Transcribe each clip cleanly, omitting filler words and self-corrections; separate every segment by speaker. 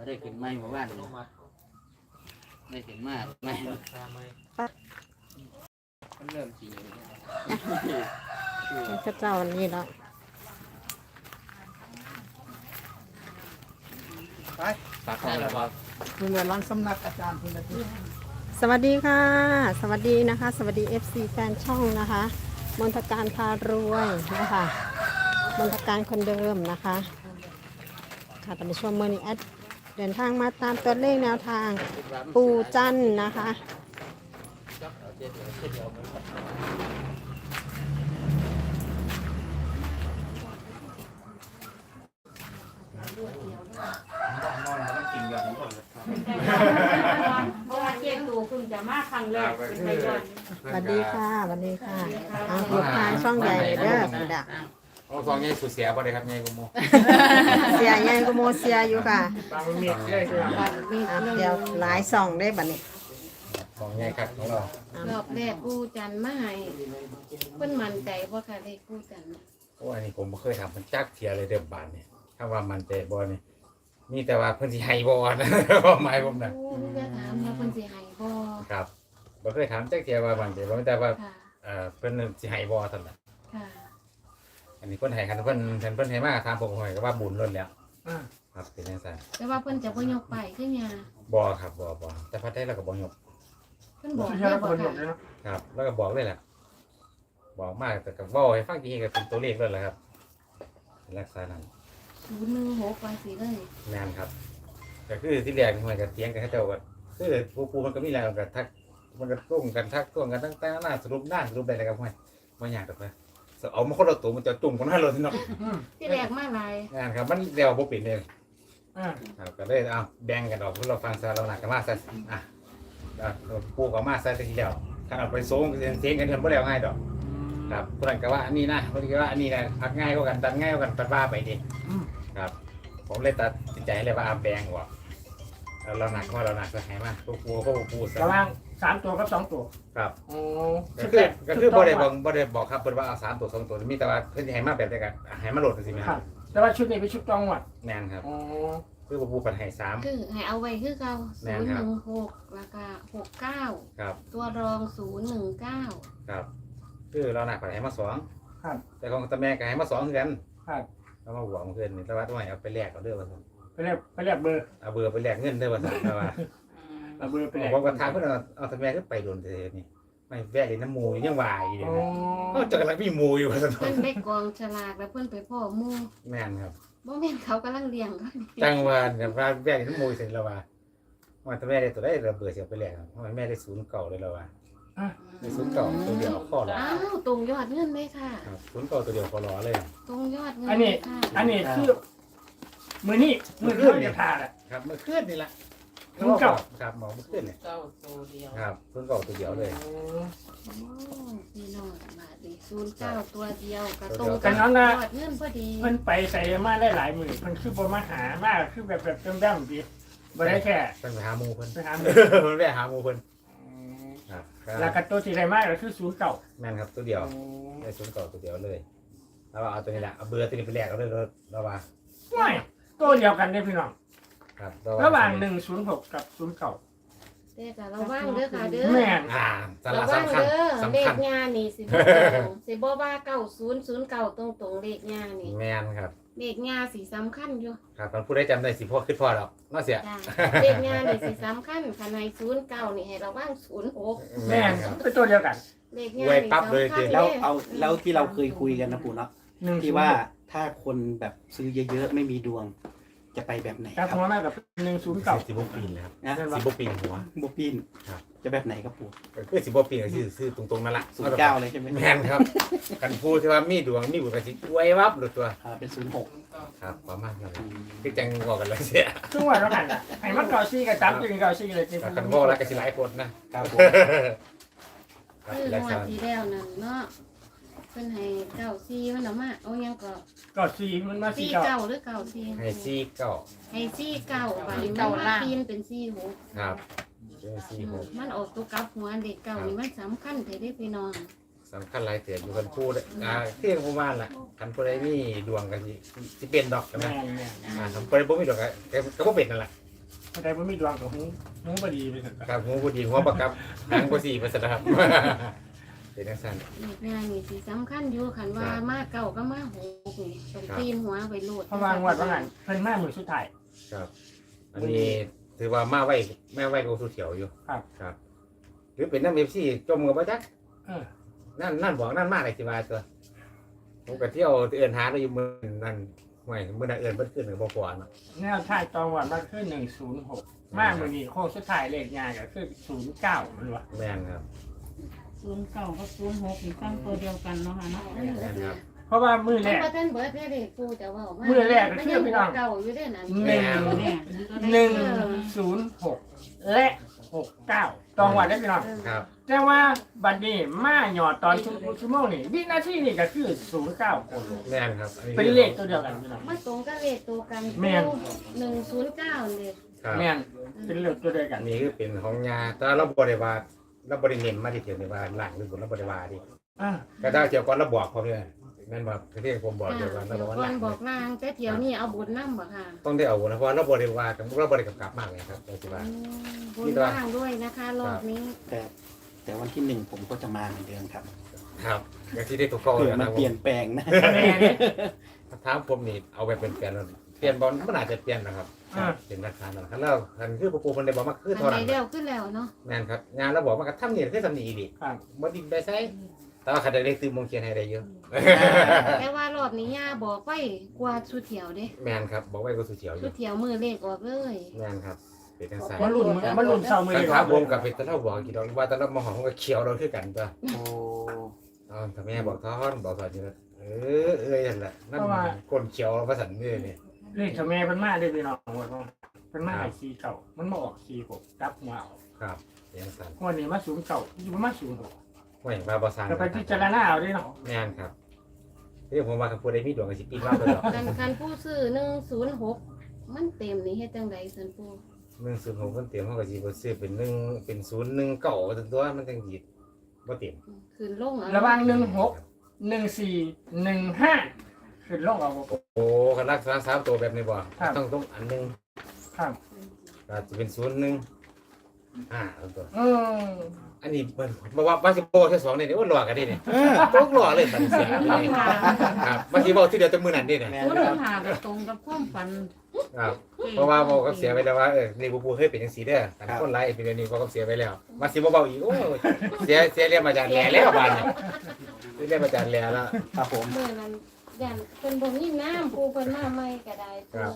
Speaker 1: ได้ขึ้นไม้หมู่บ้านได้ขึ้นมาไม้มันเริ่มสี
Speaker 2: พระเจ้าวันนี้แล้ว
Speaker 1: ไปฝากอะไรบ้าง
Speaker 3: คุณเวลาสำนักอาจารย์คุณละที่
Speaker 2: สวัสดีค่ะสวัสดีนะคะสวัสดี FC แฟนช่องนะคะมนทการพารวยนะคะมนทการคนเดิมนะคะค่ะตอนนี้ช่วงเมื่อนี้แอดเดินทางมาตามตัวเลขแนวทางปู่จันนะคะ
Speaker 4: เพราะว่าเจ๊ตูคุณจะมาครั้งแรกเป็นไงก่อน
Speaker 2: สวัสดีค่ะสวัสดีค่ะลูกค้าช่องใหญ่เด้อสุดา
Speaker 5: โอ้ซองใหญ่สุดเสียบ่ได้ครับใหญ่กว่าโม
Speaker 2: เสียใหญ่ก็โมเสียอยู่ค่ะ
Speaker 3: บางเมียได้เลย
Speaker 2: เดี๋ยวหลายซองได้บัดนี้
Speaker 5: ซองใหญ่ครับของเรา
Speaker 4: รอบแรกกู้จันมาให้เพิ่นมั่นใจว่าค่ะเลขกู้จัน
Speaker 5: โอ้อันนี้ผมบ่เคยทำมันจักเทียเลยเดิมบานเนี่ยถ้าว่ามันใจบ่นี่มีแต่ว่าเพิ่นสิให้บ่นะความหมายผมน่ะ
Speaker 4: โอ้จะถามว่าเพิ่นสิให้บ่
Speaker 5: ครับบ่เคยถามจักเทียว่ามันใจบ่แต่ว่า
Speaker 4: ค่ะ
Speaker 5: เพิ่นสิให้บ่เท่านั้น
Speaker 4: ค่ะ
Speaker 5: อันนี้เพิ่นให้คันเพิ่นให้มาถามผมหอยก็ว่าบุญล้นแล้วครับเป็นจังซั่น
Speaker 4: แต่ว่าเพิ่นจะบ่ยกไปคือหยัง
Speaker 5: บ่ครับบ่แต่พัดได้แล้วก็บ่ยก
Speaker 4: เพิ่นบอก
Speaker 3: ที่
Speaker 4: แค่
Speaker 3: เรา
Speaker 4: บ่
Speaker 3: คนหม
Speaker 4: ค่ะ
Speaker 3: ดเลยนะครับ
Speaker 5: แล้วก็บอกเลยแหละบอกมากแต่ก็เว้าให้ฟังทีก็เป็นตัวเลขเลยแหละครับเป็นลักษณะนั้น
Speaker 4: 016ว่าสิเลย
Speaker 5: แม่นครับก็คือที่แรกมันก็เถียงกันเขาเจ้าก็คือปูมันก็มีแล้วก็ทักมันก็ต้งกันทักต้วงกันตั้งแต่หน้าสรุปได้แล้วครับห้วยบ่ยากดอกนะเอามาคนละตัวมันจะจุ่มกันหน้ารถนี่เนาะ
Speaker 4: ที่แรกมาหลาย
Speaker 5: งานครับมันเดียวบ่เป็นเลย
Speaker 3: อ่า
Speaker 5: ครับก็เลยเอาแบ่งกันออกเพื่อเราฟังซะเราหนักกันมาซะอ่ะปูก็มาซะทีเดียวถ้าเอาไปโซ่เสียงกันเพิ่นบ่แล้วง่ายดอกครับผู้นั้นก็ว่าอันนี้นะผู้นี้ก็ว่าอันนี้นะพักง่ายกว่ากันตัดง่ายกว่ากันตัดว่าไปดิครับผมเลยตัดสินใจเลยว่าเอาแบ่งออกเราหนักว่าเราหนักจะให้มาปูก็ปูซะ
Speaker 3: ระว่าง3 ตัวกับ2 ตัว
Speaker 5: ครับ
Speaker 3: โอ้
Speaker 5: ก็คือบ่ได้บอกครับเพิ่นว่าเอา3ตัว2ตัวมีแต่ว่าเพิ่นสิให้มาแบบใดกันให้มาโหลดจังซี่แม่
Speaker 3: ค
Speaker 5: ค
Speaker 3: รั
Speaker 5: รั
Speaker 3: บบ แต่ว่าชุดนี้เป็นชุดจองหวัด
Speaker 5: แม่นครับ
Speaker 3: โอ้
Speaker 5: คือปูเพิ่นให้3
Speaker 4: คือให้เอาไว้คือเก่า
Speaker 5: แม่นครับ
Speaker 4: 016แล้วก็69
Speaker 5: ครับ
Speaker 4: ตัวรอง019
Speaker 5: ครับคือเราหนักกว่าให้มา2
Speaker 3: ครับ
Speaker 5: แต่ของตาแม่ก็ให้มา2คือกัน
Speaker 3: ครับ
Speaker 5: เรามาหวงเพื่อนนี่แต่ว่าต้องให้เอาไปแลกเอาเด้อว่าซั่น
Speaker 3: ไปเรียกเบอร์
Speaker 5: เอาเบอร์ไปแลกเงินเด้อว่าซั่นแต่ว่า
Speaker 3: เอาเบอร์ไปแลก
Speaker 5: ผมก็ถามเพิ่นเอาตาแม่ขึ้นไปโดนเด้นี่ไม่แวะเลยน้ำหมูยังว่าอยู่
Speaker 3: โอ้
Speaker 5: เด้นะเฮาจักลังมีหมูอยู่ว่าซั่น
Speaker 4: เพิ่นไปกองฉลากแล้วเพิ่นไปพ่อหมู่
Speaker 5: แม่นครับ
Speaker 4: บ่แม่นเขากำลังเลี้ยงเขา
Speaker 5: จังว่าเนี่ยว่าแวะเลยน้ำหมูเสร็จแล้วว่าตาแม่ได้ตัวได้ระเบิดสิเอาไปแลกเพราะว่าแม่ได้0เก่าเลยแล้วว่าได้0เก่าตัวเดียวข้อรอ
Speaker 4: อ้าวตรงยอดเงินเลยค่ะ
Speaker 5: ครับ0เก่าตัวเดียวข้อรอเลย
Speaker 4: ตรงยอดเงิน
Speaker 3: อันนี้
Speaker 4: ค่ะ
Speaker 3: อันนี้คือมือนี่มือเครื่องจะทาแหละ
Speaker 5: ครับเมื่อคืนนี่ล่ะ
Speaker 3: 0เก่า
Speaker 5: ครับหมอเมื่อคืนนี่
Speaker 1: เก้าตัวเดียว
Speaker 5: ครับ0เก่าตัวเดียวเลย
Speaker 4: โอ้พี่น้องบาทดี09ตัวเดียวกระตรง
Speaker 3: แต่น้องนะ
Speaker 4: ยอดเงินพอดี
Speaker 3: เพิ่นไปใส่มาได้หลายมือเพิ่นคือบ่มาหามากคือแบบดำๆพี่บ่ได้แค่
Speaker 5: เพิ่นไปหาหมูเพิ่น
Speaker 3: ไปหามือ
Speaker 5: เพิ่นไปหาหมูเพิ่นครับ
Speaker 3: แล้วก็ตัวที่ได้มากก็คือ0เก่า
Speaker 5: แม่นครับตัวเดียวได้0เก่าตัวเดียวเลยแล้วเอาตัวนี้แหละเอาเบอร์ตัวนี้ไปแลกเอาเลยแล้วว่า
Speaker 3: ไม่ตัวเดียวกันได้พี่น้อง
Speaker 5: ครับ
Speaker 3: ระหว่าง106กับ0เก่า
Speaker 4: เด้อค่ะระวังเด้อค่ะเด้อ
Speaker 3: แม่น
Speaker 5: สาระ
Speaker 4: ระวัง
Speaker 5: สำคัญ
Speaker 4: เด้อเล
Speaker 5: สำคั
Speaker 4: ข
Speaker 5: ญ
Speaker 4: งานนี่สิบ่ตรงสิบ่ว่า9009ตรงๆเลขงานนี่
Speaker 5: แม่นครับ
Speaker 4: เลขงานสิสำคัญอยู่
Speaker 5: ครับคนผู้ใดจำได้สิพ่อคือพ่อดอกน่าเสีย
Speaker 4: จ้ะเลขงานนี่สิสำคัญคันให้09นี่ให้ระวัง06
Speaker 3: แม่น
Speaker 5: ครับ
Speaker 3: เป็นตัวเดียวกัน
Speaker 4: เลขงาน
Speaker 5: ไว้
Speaker 4: นี่
Speaker 5: ปั๊บเลย
Speaker 4: สำคัญ
Speaker 5: สิ
Speaker 6: แล้วเอาแล้วที่เราเคยคุยกันนะปู่เนาะ
Speaker 3: 1
Speaker 6: ที่ว่าถ้าคนแบบซื้อเยอะๆไม่มีดวง จะไปแบบไหน
Speaker 3: ค
Speaker 6: ค
Speaker 3: รั
Speaker 6: รั
Speaker 3: บบ หัวหน้ากับ109
Speaker 5: สิบปีนเลยครับ
Speaker 6: นะ
Speaker 5: สิบปีนหัว
Speaker 6: บุปิน
Speaker 5: ครับ
Speaker 6: จะแบบไหนครับปู่
Speaker 5: คือสิบปีนก็ซื้อตรงๆนั่นแหละ
Speaker 6: 09เลยใช่ไหม
Speaker 5: แม่นครับกันพูดที่ว่ามีดวงมีบุญกระสิไว้วับหรือตัว
Speaker 6: เป็น06
Speaker 5: ครับประมาณนั้นคือจังบอกกันเลยเสีย
Speaker 3: ซึ่งว่าเราหันอ่ะไอ้มันเก่าซี่กับจับจึงเก่าซี่เลยจริง
Speaker 5: กันบอกแล้วก็สิหลายคนนะครับ
Speaker 6: ผม
Speaker 5: ครับ
Speaker 4: คือ
Speaker 5: หลาย
Speaker 4: งว
Speaker 5: สา
Speaker 4: ด
Speaker 5: ร
Speaker 4: ที่แล้วนั่นเนาะเพิ่นให้94มันเอามาเอาหยังก็
Speaker 3: เก่าซี่มันมาซี่เก่า
Speaker 4: 49หรือ94
Speaker 5: ให้ซี่เก้า
Speaker 4: ให้49บาดนี้มันมาปีนเป็น46
Speaker 5: ครับเป็นซี่หก
Speaker 4: มันออกตัวกลับหัวเด็กเก่านี่มันสำคัญแท้ได้พี่น้อง
Speaker 5: สำคัญหลายเตียอยู่กันพูดเที่ยงประมาณล่ะคันผู้ใดมีดวงกันสิเป็นดอกกัน
Speaker 3: แม่
Speaker 5: นะ
Speaker 3: แม่
Speaker 5: คันผู้ใดบ่มีดวงก็บ่เป็นนั่นแหละ
Speaker 3: คนใดบ่มีดวงกับหูบ่ดีไปเถอะ
Speaker 5: ครับหัวบ่ดีหัวประกับหางบ่สี่ไปซะนะครับ เป็นจังซั่น
Speaker 4: เลขงานนี่สิสำคัญอยู่คันว่ามาเก่าก็มาหกนี่ต้องตีนหัวไปโลด
Speaker 3: เพราะว่างวดว่างั้นเพิ่นมามื้อสุดท้าย
Speaker 5: ครับ อันนี้ถือว่ามาไว้แม่ไว้กับสุเถียวอยู่
Speaker 3: ครับ
Speaker 5: ครับ หรือเป็นน้ำ FC จมกับบ่จัก
Speaker 3: เออ
Speaker 5: นั่นบอกนั่นมาได้สิว่าตัวผมก็เที่ยวเอิ้นหาได้อยู่มื้อนั้นห่วยมื้อนั้นเอิ้นเพิ่นขึ้นก็บ่พอเนาะ
Speaker 3: แนวท้ายตอนวันมันคือ106มามื้อนี้โค้งสุดท้ายเลขงานก็คือ09มันว่า
Speaker 5: แม่นครับ
Speaker 7: 09กับ06นี่ตั้งตัวเดียวกันเนาะค่ะเนาะ
Speaker 5: แม่นครับ
Speaker 3: เพราะว่ามื้อแร
Speaker 4: มัน
Speaker 3: ก
Speaker 4: บ่ทันเบิดเลขกูจะเว้ามา
Speaker 3: มื้อแรกก็คือพี่น้อง
Speaker 4: เก่าอยู่เด้อนั่น
Speaker 3: หนึ่ง 106และ69ตองวันได้พี่น้อง
Speaker 5: ครับ
Speaker 3: แต่ว่าบัดนี้มาหยอดตอนชั่วโมงนี่วินาทีนี่ก็คือ09คน
Speaker 5: แม่นครับอั
Speaker 3: เป็นเลขตัวเดียวกันพี่น้อง
Speaker 4: มาตรงกับเลขตัวกัน
Speaker 3: แม่น
Speaker 4: 109นี่
Speaker 5: ครับ
Speaker 3: แม่นเป็นเลขตัวเดียวกั
Speaker 5: อั
Speaker 3: น
Speaker 5: นนี้คือเป็นของยาแต่เราบ่ได้ว่าเราบ่ได้เน้นมาที่เถียวนี่ว่าหลังหรือบนเราบ่ได้ว่าดิ
Speaker 3: อ่า
Speaker 5: ก็ได้เที่ยวก่อนเราบอกพร้อมเลยแม่นบ่ที่ผมบอกเดียวกันเรา
Speaker 4: เดี๋
Speaker 5: บ
Speaker 4: ย
Speaker 5: อก
Speaker 4: ว
Speaker 5: ว่า
Speaker 4: ก่
Speaker 5: ห
Speaker 4: อ
Speaker 5: ลั
Speaker 4: น
Speaker 5: ง
Speaker 4: บอกนางแต่เที่ยวนี้เอาบุญนำบ่ค่ะ
Speaker 5: ต้องได้เอานะเพราะเราบ่ได้ว่ากันเราบ่ได้กำกับมากเลยครับเราสิว่า
Speaker 4: บุญว่างด้วยนะคะรอบนี้
Speaker 6: แต่วันที่ 1ผมก็จะมาเหมือนเดิมครับ
Speaker 5: ครับอย่างที่ได้ตัวเก่า
Speaker 6: เผื่อ
Speaker 5: แล้ว
Speaker 6: มัน
Speaker 5: นะ
Speaker 6: เปลี่ยนแปลงนะ
Speaker 3: แม่น
Speaker 5: ถามผมนี่เอาไปเป็นแฟนแล้วเปลี่ยนบอลมันอาจจะเปลี่ยนนะครับเป็นราคานะครับแล้วคันคือปูเพิ่นได้บอกมาคือ
Speaker 4: อัน
Speaker 5: เท่า
Speaker 4: ใด
Speaker 5: นั้น
Speaker 4: เร็วขึ้นแล้วเนาะ
Speaker 5: แม่นครับงานเราบอกมาก็ทำนี่คือทำนี่ดิ
Speaker 3: ครับ
Speaker 5: บ่ดิไปไสแต่ว่าคันได้ตื่นมงเขียนให้ได้เยอะ
Speaker 4: แต่ว่ารอบนี้ย่าบอกไว้กว่าสุเที่ยวเด้
Speaker 5: แม่นครับบอกไว้ก็สุเฉียวอ
Speaker 4: สุ
Speaker 5: ยู่
Speaker 4: เที่ยวมือเลขออกเลย
Speaker 5: แม่นครับเป็นจังซั่น
Speaker 3: มันรุ่นเศร้ามือ
Speaker 5: คัน
Speaker 3: เลย
Speaker 5: ถามผมกับเป็นตะเล่าบอกกี่ดอกว่าตะเล่ามาหอมก็เขียวเราคือกันตัว
Speaker 6: โอ้
Speaker 5: อ๋อถ้าแม่บอกท้อนบอกสอนอยู่นะนั่นแหละนั่นคนเขียวภาษาเนี่ยนี่
Speaker 3: เลขเจ้าแม่เป็นมาได้พี่น้องว่าเป็นมาให้4เก่ามันมาออก46จับหัวเอา
Speaker 5: ครับเป็นจังซั่น
Speaker 3: วันนี้มา0เก่าอยู่มา06
Speaker 5: ห่วยมาบ่สร้าง
Speaker 3: ก็ไปพิจารณาเอาด้วยเนาะ
Speaker 5: แม่นครับที่ผมว่าคันผู้ใดมีดวงก็สิปีนว่าเพิ่นดอก
Speaker 4: คันผู้ซื้อ106มันเต็มนี่เฮ็ดจังไดซั่นปู่
Speaker 5: 106เพิ่นเตรียมเฮาก็สิบ่ซื้อเป็น1เป็น019ตัวมันจังสิบ่เต็ม
Speaker 4: ขึ้นลงเอา
Speaker 3: ระหว่าง16 14 15ขึ้นลงเอา
Speaker 5: โอ้คันรักษา3ตัวแบบนี้บ่ต้องอันนึง
Speaker 3: ครับ
Speaker 5: ก็สิเป็นตัว
Speaker 3: อืม
Speaker 5: อันนี้เพิ่นบ่ว่าสิบ่แค่2นี่โอ้หลอกกันดินี่ตกหลอกเลยบัดนี้เสียครับบางทีเว้าทีเดียวแต่มื้อนั้นดิเนี่ย
Speaker 6: แม่
Speaker 7: ศูน
Speaker 6: นครับ
Speaker 7: ย์หาก็ตรงกับความฝัน
Speaker 5: ครับเพราะว่าบอกกับเสียไปแล้วว่านี่ปูเคยเป็นจังซี่เด้อแต่คนหลายเป็นอย่างนี้บอกกับเสียไปแล้วมาสิบ่เบาอีกโอ้เสียเรียนมาจากแหล่แล้วบาดนี้เรียนมาจากแหล่แล้ว
Speaker 6: ครับผม
Speaker 4: มื้อนั้นย่านเพิ่นบ่มีน้ำปู่เพิ่นมาใหม่ก็ได้
Speaker 5: ครับ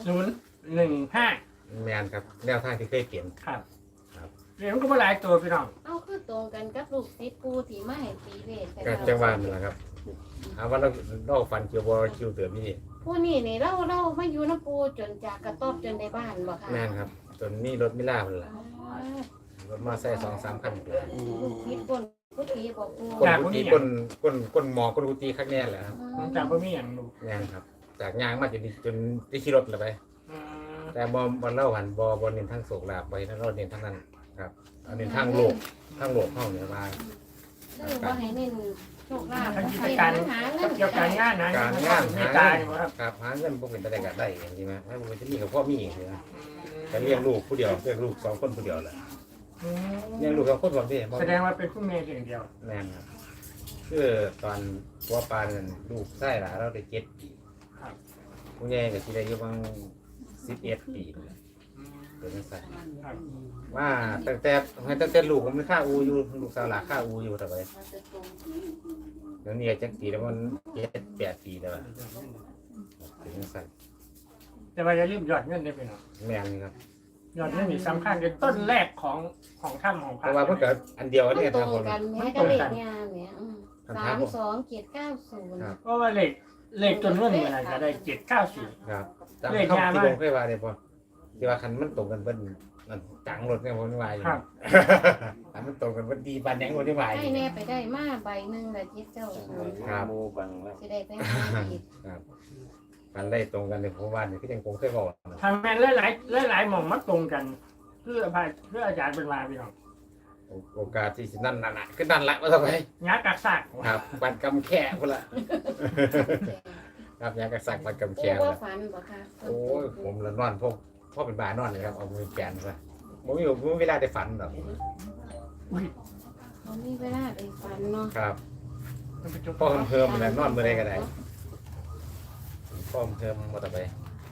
Speaker 3: 015
Speaker 5: แม่นครับแนวทางที่เคยเปลี่ยน
Speaker 3: ครับเรียนก็บ่หลายตัวพี่น้อง
Speaker 4: เอาคือตรงกันกับลูกศิษย์ปู่ที่มาให้ตีเลขให้
Speaker 5: ก็
Speaker 4: เรา
Speaker 5: จังหวะนั่นแหละครับเอาว่าเราฟันเกี่ยวบ่คิวเติมนี่
Speaker 4: ผู้นี่นี่เรามาอยู่นำปู่จนจากกระต๊อบจนได้บ้านบ่ค่ะ
Speaker 5: แม่นครับจนมีรถมิล่าพุ่นล่ะ
Speaker 4: อ๋อ
Speaker 5: รถมาใส่2-3คัน
Speaker 4: ลูกศิษย์คนผู้ที่บอกปู่
Speaker 5: คนกุฏิคนหมอคนกุฏิคักแน่แหละครับ
Speaker 3: ผมจำบ่มีหยังรู้
Speaker 5: แม่นครับจากยางมาจนได้ขี่รถแล้วไป
Speaker 3: อืม
Speaker 5: แต่บ่เล่าหันบ่เน้นทางโศกลาบไว้นะเราเน้นทางนั้นครับเอาเน้นทางโลกเฮาเนี่ยว่า
Speaker 4: คือบ่ให้เน้นโชคลาภ
Speaker 3: ทั้งกิจการ
Speaker 4: หาเงิน
Speaker 3: เกี่ยวกับการงานนะ
Speaker 5: การงาน
Speaker 3: มี
Speaker 5: หา
Speaker 3: ตา
Speaker 5: เงิ
Speaker 3: อยู่
Speaker 5: น
Speaker 3: ครับ
Speaker 5: ครับหาเงินบ่เป็นตะได้ก็ได้จริงๆนะถ้าบ่จะมีกับพ่อมีเองนะก็เลี้ยงลูกผู้เดียวเลี้ยงลูก2คนผู้เดียวแหละ
Speaker 3: อืม
Speaker 5: เลี้ยงลูก2คนบ่ได้บ่
Speaker 3: แสดงว่าเป็นผู้เมียเพียงเดียว
Speaker 5: แม่นครับคือตอนตัวปานนั่นลูกชายหลานเราได้7ปี
Speaker 3: ครับ
Speaker 5: ผู้ใหญ่ก็สิได้อยู่ประมาณ11ปีเป็นจังซั่น
Speaker 3: ครับ
Speaker 5: ว่าตั้งแต่ลูกมันค่าอูอยู่ลูกสาวหลานค่าอูอยู่แต่ไปเดี๋ยวนี้จักปีแล้วมัน7-8ปีแล้วเป็นจังซั่น
Speaker 3: แต่ว่าอย่าลืมยอดเงินได้พี่น้อง
Speaker 5: แม่นครับ
Speaker 3: ยอดเงินนี่สำคัญเป็นต้นแรกของถ้ำของพ
Speaker 5: เพ
Speaker 3: ระ
Speaker 5: ราะว่ามันก็อันเดียว
Speaker 4: มัน
Speaker 5: เนี่ย
Speaker 4: ตร
Speaker 5: ทาง
Speaker 4: ง
Speaker 5: คน
Speaker 4: กันแม้กับเลขงานเนี่ย327990
Speaker 3: เพราะว่าเลขจนเงินมันก็ได้794
Speaker 5: ครับจำเข้าที่ลงเคยว่าได้ป่ะที่ว่าคันมันตรงกันเพิ่นนั่นจังรถเนี่ยผมว่าอยู่
Speaker 3: ครับ
Speaker 5: คันมันตรงกันเพิ่นดีปานแดงรถที่ว่าอ
Speaker 4: ให้
Speaker 5: ยู่
Speaker 4: แน่ไปได้มาใบหนึงละจิตเจ้าศูนย์
Speaker 5: ครับ
Speaker 6: โมบังแล้ว
Speaker 4: สิได้ไปหาอีก
Speaker 5: ครับคันได้ตรงกันเนี่ยผมว่านี่คือยังคงเคยบอกนะ
Speaker 3: ทางแม่นหลายหม่องมาตรงกันเพื่ออาจารย์เป็นมาพี่น้อง
Speaker 5: โอกาสที่สินั่นน่ะคือนั่นละว่าซะไป
Speaker 3: ยักษ์กักซาก
Speaker 5: ครับปันกำแค่พุ่นละครับยากระสักปันกำ
Speaker 4: โอ้
Speaker 5: แค่
Speaker 4: ว่า
Speaker 5: ละ
Speaker 4: ฝันบ่ค่ะ
Speaker 5: โอ้ยผมละนอนพวกพ่อเป็นบานอนเลยครับเอามือแกนซะผมมีเวลาได้ฝันหรอก
Speaker 4: เขามีเวลาได้ฝันเนาะ
Speaker 5: ครับ
Speaker 3: มันเป็นจุด
Speaker 5: พ่อเพิ่มมันนอนมือใดก็ได้พ่อเพิ่มมาต่อไป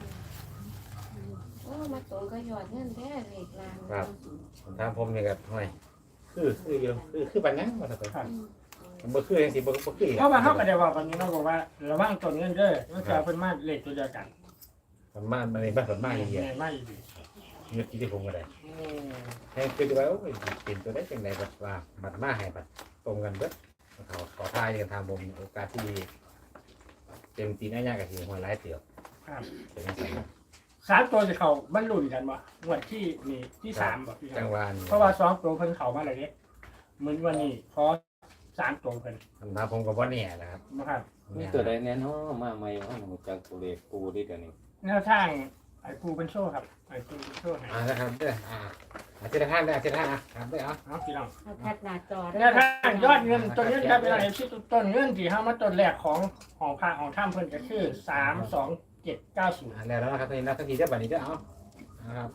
Speaker 4: โอ้มาตรงก็ยอดเงินแท้เลขลาง
Speaker 5: ครับ ผมถามผมนี่ครับทำไมคืออยู่คือปัญญามาต่อไปมันบ่คือจังซี่บ่คือ
Speaker 3: เพราะว่าเขาก็ได้บอกวันนี้เราบอกว่าระวังต้นเงินเด้อมันจะเป็นมาเลขตัวเดียวกัน
Speaker 5: มันมาในบ้านส่วนมากอย่างเงี้ย
Speaker 3: ไม่
Speaker 5: ยึดที่ผมก็ได้ให้คือว่าโอ้ยเป็นตัวได้จังได๋บัดว่าบัดมาให้บัดตรงกันเบิดเขาขอทายกันทางผมโอกาสที่เต็มตีนอ้ายก็สิหัวหลายเตียว
Speaker 3: ครับ
Speaker 5: เป็นจังซั่น
Speaker 3: 3 ตัวจะเขาบรรลุกันบ่งวดที่นี่ที่3บ่พี่
Speaker 5: จังหวะนี้
Speaker 3: เพราะว่า2ตัวเพิ่นเข้ามาแล้วเด้เหมือนวันนี้พอ3ตัวเพิ่น
Speaker 5: คำถามผมก็บ่แน่นะครับ
Speaker 3: นะครับ
Speaker 1: มีตัวใดแน่นอนมาใหม่ว่าหนูจากตัวเลขปูที่เดี๋ยวนี้
Speaker 3: แนวทางไอ้ปูเป็นโชว์ครับไอ้ปูเป็นโชว์ให้
Speaker 5: นะครับเด้ออาทิตย์ละ5ได้อาทิตย์ละ5ครับได้เอา
Speaker 3: เอาพี่น้อง
Speaker 7: เอาแพทหน้าจอ
Speaker 3: แนวทางยอดเงินต้นเงินครับเป็นอะไรที่ต้นเงินที่เฮามาต้นแรกของพระของถ้ำเพิ่นก็คือ32790
Speaker 5: แล้วนะครับนี่นะทันทีได้บัดนี้เด้อเอานะครับ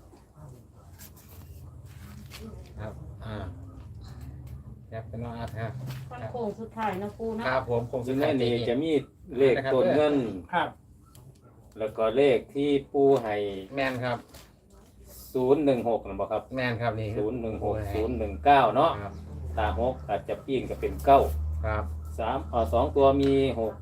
Speaker 5: ครับครับเป็นน้องอาร์ตครับ
Speaker 7: ฟันโค้งสุดท้ายนะปูเนาะ
Speaker 5: ครับผมคง
Speaker 1: ซึ่
Speaker 5: สุ
Speaker 1: ง
Speaker 5: ด
Speaker 1: ใน
Speaker 5: ท้าย
Speaker 1: นี้จะมีเลขต้นเงิน
Speaker 3: ครับ
Speaker 1: แล้วก็เลขที่ปูให้
Speaker 5: แมนครับ
Speaker 1: 016นะบ่ครับ
Speaker 5: แมนครับนี่
Speaker 1: 016 019เนาะ
Speaker 5: ครับ
Speaker 1: ตา6อาจจะปิ้งก็เป็น9
Speaker 5: ครับ
Speaker 1: 2ตัวมี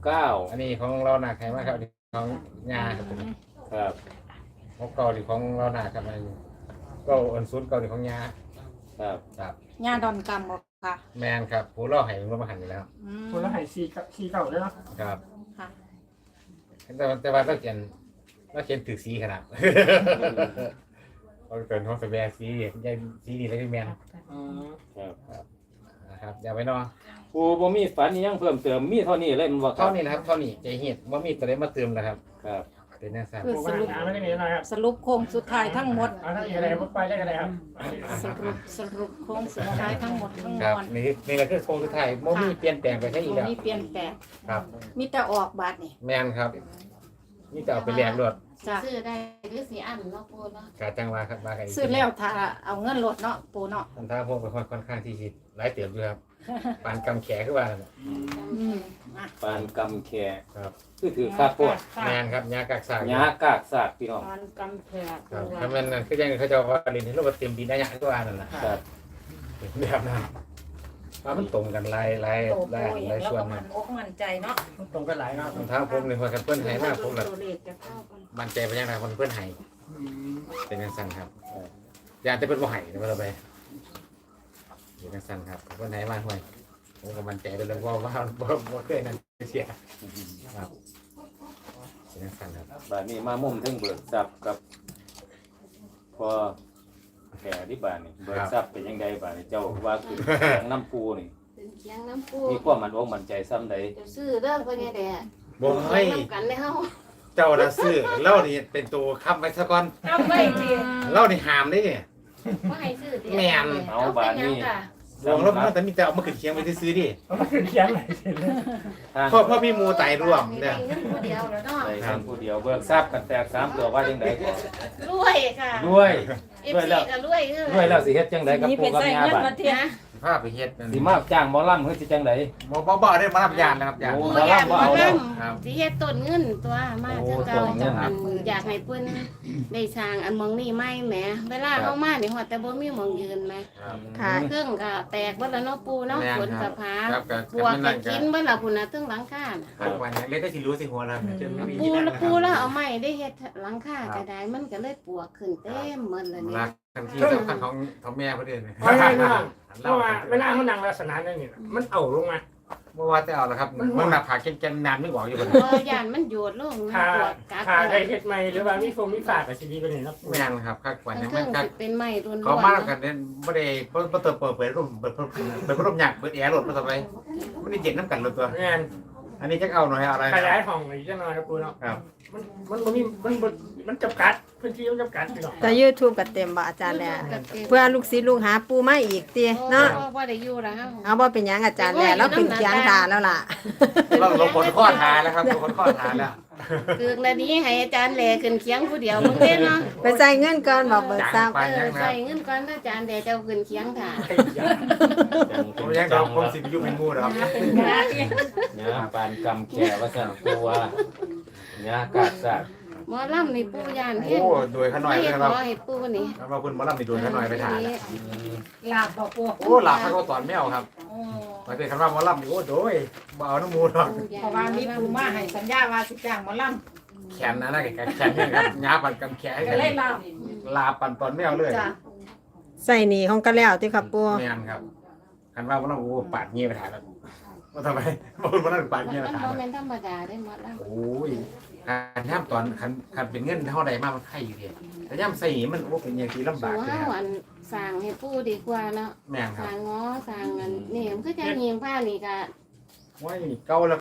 Speaker 1: 69
Speaker 5: อันนี้ของเราหนักใครมากครับของงาครับผม
Speaker 1: ครับ
Speaker 5: ของเก่าหรือของเราหนักครับมันก็อันซุนเก่าหรือของงา
Speaker 1: ครับ
Speaker 5: ครับ
Speaker 7: ญาดอนกรรมบอกค่ะ
Speaker 5: แมนครับผู้ล่อให้มันมาหันอยู่แล้ว
Speaker 3: คนละให้4เก่าด้วยเนาะ
Speaker 5: ครับ
Speaker 7: ค่ะ
Speaker 5: แต่ว่าต้องเขียนถือสีขนาดเขาเกินเขาแสดงสียัยสีดีเลยพี่แมน
Speaker 3: อืม
Speaker 1: ครับ
Speaker 5: นะครับอย่าไปนอน
Speaker 1: ปูบ่มีฝันอิหยังเพิ่มเติมมีเท่านี้เลยมันบ่ครั
Speaker 5: เท่า
Speaker 1: บ
Speaker 5: นี้นะครับเท่านี้ใจเหียดว่ามีตัวเลมาเติมนะครับ
Speaker 1: ครับ
Speaker 5: เป็นนักสัตว์
Speaker 7: คือ
Speaker 3: ปู
Speaker 7: สรุป
Speaker 3: หาไม่ได้เงินหน่อยครับ
Speaker 7: สรุปโค้งสุดท้ายทั้งหมด
Speaker 3: เอาถ้ามีอะไรพูดไปได้ก็ได้ครับ
Speaker 7: สรุปโค้งสุดท้ายทั้งหมดทั้งม
Speaker 5: ครับ
Speaker 7: วล
Speaker 5: นี่แหละคือโครงสุดท้ายโมมีเปลี่ยนแปลงไปใช่อีกแล้ว
Speaker 7: มีเปลี่ยนแปลง
Speaker 5: ครับ
Speaker 7: มีแต่ออกบาทนี่
Speaker 5: แมนครับนี่จะเอาไปแลกรถ
Speaker 7: จ้ะ
Speaker 4: ซื้อได้หรือสิอันเนาะปูเนาะ
Speaker 5: กาจังหวะครับมากัน
Speaker 7: ซื้อแล้วถ้าเอาเงินลดเนาะปูเนาะ
Speaker 5: ทำท่าพวกเป็นคนค่อนข้างที่จะหลายเติบอยู่ครับปานกำแขขึ้นมา
Speaker 7: อืมอ่ะ
Speaker 1: ปานกำแข
Speaker 5: ครับ
Speaker 1: คือถือค่าโพด
Speaker 5: แมนครับยากากสาก
Speaker 1: หญ้ากากซากพี่น้อง
Speaker 7: ปานกำแพง
Speaker 5: ครับ
Speaker 7: ตัว
Speaker 5: ถ้ามันนั่นคือยังเขาจะว่าเรียนที่โลกเต็มดินได้ยังตัวนั่นแหละ
Speaker 1: ครับ
Speaker 5: แบบนั้นว่ามันตรงกันหลายส่วน
Speaker 7: มั
Speaker 5: มัน น
Speaker 7: อกมันใจเนาะ
Speaker 3: ตรงกันหลายครับ
Speaker 5: ทำท่าผมเลยพอกันเพื่อนไห้มากผมแบบ
Speaker 7: ตัวเลขจะเข้ากัน
Speaker 5: มั่นใจไปยังไงคนเพื่อนไห้เป็นยังสั้นครับอยากจะเป็นบ่ไห้นะเราไปเป็นยังสั้นครับเพื่อนไห้มากห่วยผมก็มั่นใจไปเลยว่าเคยนั่นเสียครับเป็นยังสั้นครับ
Speaker 1: บาดนี้มามุมถึงเบิกทรัพย์กับพอแขที่บ้านนี่เบิกทรัพย์เป็นยังไงบ้านนี่เจ้าว่าคือแขงน้ำปูนี่
Speaker 4: เป็นเคียงน้ำปู
Speaker 1: มีความมั่นใจซ้ำใด
Speaker 4: เดี๋ยวซื้อเด้อพ่อใหญ่แดด
Speaker 5: บ่ให้
Speaker 4: น้ำกันเลยเฮา
Speaker 5: เจ้าละซื้อเล่านี่เป็นตัวค้ำไว้ซะก่อน
Speaker 4: เอาไว้ที
Speaker 5: เล่านี่หามได้เนี่ย
Speaker 4: บ่ให้ซื้อติ
Speaker 5: แม่น
Speaker 1: เอาบาดนี้
Speaker 4: ค่ะ
Speaker 5: วงแล้วมันแต่มีแต่เอามาขึ้นเคียงไปซื้อดิ
Speaker 3: เอามาขึ้นเคียงเลยเสร็จเลย
Speaker 1: ทาง
Speaker 5: เพราะมีหมูไตร่วม
Speaker 4: เนี่
Speaker 5: เนี่ย ย
Speaker 4: เงินผู้เดียวแล้วเนาะ
Speaker 1: ใส่เพียงผู้เดียวเบิกทรัพย์กันแตก3ตัวว่าจังไดก่อน
Speaker 4: รวยค่ะ
Speaker 1: รวย
Speaker 4: FC ก็รวยคือ
Speaker 1: รวยแล้วสิเฮ็ดจังไดกับ
Speaker 7: นี่
Speaker 1: ปู
Speaker 7: เป็น
Speaker 1: กับ
Speaker 7: ใส่
Speaker 1: ยา
Speaker 7: เงิน
Speaker 1: บา
Speaker 7: มา
Speaker 1: ด
Speaker 7: เทียน
Speaker 5: ภาพไปเฮ็ดนั่น
Speaker 1: สิมาจ้างหมอลำเฮ็ดสิจังได
Speaker 5: บ่ได้มารับยานนะครับยาน
Speaker 1: โอ้
Speaker 4: ปูอยากมานํ
Speaker 5: ครับ
Speaker 4: สิเฮ็ดต้นเงินตัวมาคือเก่าจังอันอยากให้เพิ่นได้สร้างอันหมองนี้ใหม่แหมเวลาเฮามานี่ฮอดแต่บ่มีหมองยืนแหม
Speaker 2: ค่ะ
Speaker 4: เครื่องก็แตกเบิดแล้วเนาะปูเนาะ
Speaker 5: แม่น
Speaker 4: ฝน
Speaker 5: ครั
Speaker 4: กั
Speaker 5: บบ
Speaker 4: ผา
Speaker 5: ครับกับ
Speaker 4: บวก
Speaker 5: นั่
Speaker 4: กัน
Speaker 5: นก็
Speaker 4: กินเบิดแล้วพุ่นน่ะถึงหลังคาน่ะ
Speaker 5: ครับวันนี้เล็กก็สิรู้สิหัวแล้วจนไม่มี
Speaker 4: ปู
Speaker 5: ที่นั่ง
Speaker 4: แล้ว
Speaker 5: นะค
Speaker 4: ปู
Speaker 5: รับ
Speaker 4: แล้วเอาไม้ได้เฮ็ดหลังคาก็ได้มันก็เลยปวกขึ้นเต็มหมดเลยนี่
Speaker 5: รักทันทีสำคัญของแม่เพิ่นเด้
Speaker 3: เพราะงั้นเนาะเพราะว่าเวลาเขานั่งลักษณะนั้นนี่น่ะมันเอาลงมา
Speaker 5: เมื่อว่าจะเอาละครับมันหน้าผากแกนน้ำนึกออกอยู่บ่
Speaker 4: พอย่านมันโยดลงนะ
Speaker 3: ถ้า
Speaker 4: ปวกกัด
Speaker 3: ถ้าได้เฮ็ดใหม่หรือว่ามีมีฝากกับชีวิตไปนี่เนาะ
Speaker 5: แม่นครับคักกว่า
Speaker 4: ทั้
Speaker 5: นั้
Speaker 4: ง
Speaker 5: น
Speaker 4: เค
Speaker 5: มั
Speaker 4: รื่อน ง
Speaker 5: คัก
Speaker 4: สิเป็นไม้รุ่น
Speaker 5: เขามาแล้วกันเนี่ยบ่ได้บ่เติมเปิดรูปเปิดรูปหยักเปิดแอร์รถมาต่อไปมันได้เย็นน้ำกันรถตัว
Speaker 3: งาน
Speaker 5: อันนี้จักเอาหน่อยอะไร
Speaker 3: ขยายห้องอีกจังหน่อยครับปูเนาะ
Speaker 5: ครับ
Speaker 3: มันบ่มีมันจำกัดพื้นที่มันจำกัดพี่น้อง
Speaker 2: แต่ YouTube ก็เต็มบ่อาจารย์แหล่เพื่อลูกศิษย์ลูกหาปูมาอีกติเนาะ
Speaker 4: บ่ได้อยู่แล้ว
Speaker 2: เอาบ่เป็นหยังอาจารย์แหล่แล้วขึ้นเคียงทาแล้วล่ะ
Speaker 5: เราลงคนข้อทาแล้วครับลงคนข้อทาแล้ว
Speaker 4: คือแล้วนี้ให้อาจารย์แหลขึ้นเคียงผู้เดียวมึงเด้เนาะ
Speaker 2: ไปใส่เงินก่อนบอกเบิกทรัพย์
Speaker 4: ใส่เงินก่อนอาจารย์แหลเจ้าขึ้นเคียงค่ะ
Speaker 5: ผมยังเราคงสิบยุเป็นงูนะครับ
Speaker 1: เนี่ยปานกำแก่ว่าสั่นตัวเนี่ยกาดสัตว์
Speaker 4: หมอลำนี่ปู่ย่าน
Speaker 5: โอ้โดยขน่อย
Speaker 4: ไม่
Speaker 5: เลย
Speaker 4: ข
Speaker 5: ครับ
Speaker 4: อให้ปู่นี่
Speaker 5: เราเพิ่นมาล่ำในโดยขน่อยไปถ่าย
Speaker 7: ลาบบ่ปู
Speaker 5: โอ้หลับให้เขาตอนแมวครับ
Speaker 7: โอ้
Speaker 5: มาเป็นคำว่ามาล่ำโอ้โดยบ่เอาน้ำมูหรอก
Speaker 7: เพราะว่ามีปูมาให้สัญญาว่าสิจ้างหมอล
Speaker 5: แขนนะนะแขนนี่ครับงาปั่นกำแขน
Speaker 7: ำก็เลยลาบ
Speaker 5: ลาปั่นตอนแมวเลย
Speaker 7: จ้ะ
Speaker 2: ใส่หนีของก็แล้วติครับปู
Speaker 5: แมนครับคันว่ามาล่ำโอ้ปาดเงี้ยไปถ่ายแล้วว่าทำไมมาพูดมาล่ำปาดเงี้ยไป
Speaker 4: มัน
Speaker 5: ถ่าย
Speaker 4: บ่แม่นธรรมดาได้หมดแล้ว
Speaker 5: โอ้ยการย่ำตอนคันเป็นเงินเท่าใดมากมันไข่อยู่เดียวแต่ย่ำใส่หีมันโอ้เป็นอย่างที่ลำบาก
Speaker 4: สู่
Speaker 5: เลย
Speaker 4: เฮา
Speaker 5: ครับ
Speaker 4: อันสร้างให้ปู่ดีกว่าเนาะ
Speaker 5: แม่นค
Speaker 4: ส
Speaker 5: รับ
Speaker 4: ร้างง้อสร้างอันนี่มันคือจังยิงผ้านี่ก็
Speaker 5: ว่าเก่าแล้ว